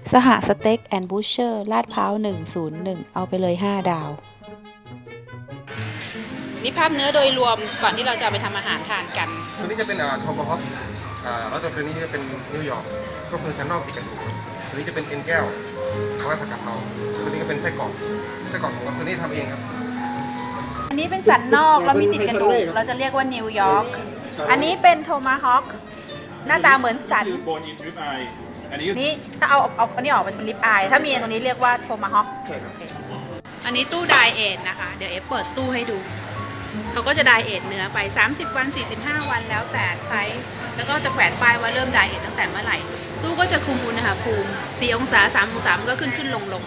สหสเต็กแอนด์บูชเชอร์ลาดพร้าว101เอาไปเลย5 ดาวนี่ภาพเนื้อโดยรวมก่อนที่เราจะไปทำอาหารทานกันตัวนี้จะเป็นโทมฮอคแล้วตัวนี้จะเป็นนิวยอร์กก็คือสันนอกติดกันดูตัวนี้จะเป็นเอ็นแก้วเอาไว้ผัดกะเพราตัวนี้ก็เป็นไส้กรอกของเราตัวนี้ทำเองครับอันนี้เป็นสันนอกแล้วมีติดกระดูกเราจะเรียกว่านิวยอร์กอันนี้เป็นโทมาฮอคหน้าตาเหมือนสันโบนอินริบอายอันนี้ถ้าเอาอันนี้ออกเป็นลิปอายถ้ามีตรงนี้เรียกว่าโทมาฮอคอันนี้ตู้ไดเอทนะคะเดี๋ยวเปิดตู้ให้ดูเขาก็จะไดเอทเนื้อไป30 วัน45 วันแล้วแต่ไซส์แล้วก็จะแขวนป้ายว่าเริ่มไดเอทตั้งแต่เมื่อไหร่ตู้ก็จะคุมอุณหภูมิ4 องศา3 องศามันก็ขึ้นลง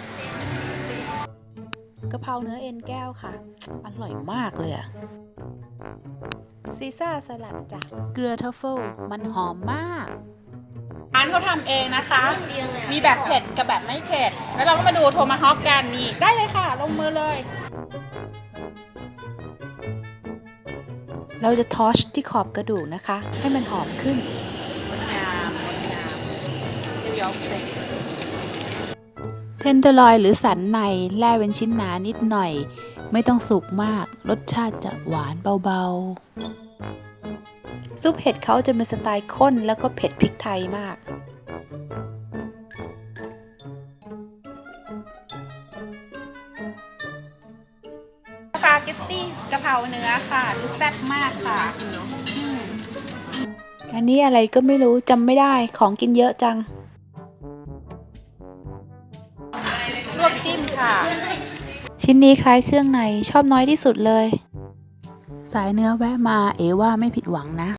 กะเพราเนื้อเอ็นแก้วค่ะอร่อยมากเลยอะซีซ่าสลัดจากเกลือทัฟเฟิลมันหอมมากร้านเขาทำเองนะคะมีแบบเผ็ดกับแบบไม่เผ็ดแล้วเราก็มาดูโทมาฮอคกันนี่ได้เลยค่ะลงมือเลยเราจะทอชที่ขอบกระดูกนะคะให้มันหอมขึ้นงามนิวยอร์กสเต็กเทนเดอร์ลอยหรือสันในแล่เป็นชิ้นหนานิดหน่อยไม่ต้องสุกมากรสชาติจะหวานเบาๆซุปเห็ดเขาจะเป็นสไตล์ข้นแล้วก็เผ็ดพริกไทยมากสปาเกตตี้กะเพราเนื้อค่ะดูแซ่บมากค่ะอันนี้อะไรก็ไม่รู้จำไม่ได้ของกินเยอะจังลวกจิ้มค่ะชิ้นนี้คล้ายเครื่องในชอบน้อยที่สุดเลยสายเนื้อแวะมาว่าไม่ผิดหวังนะ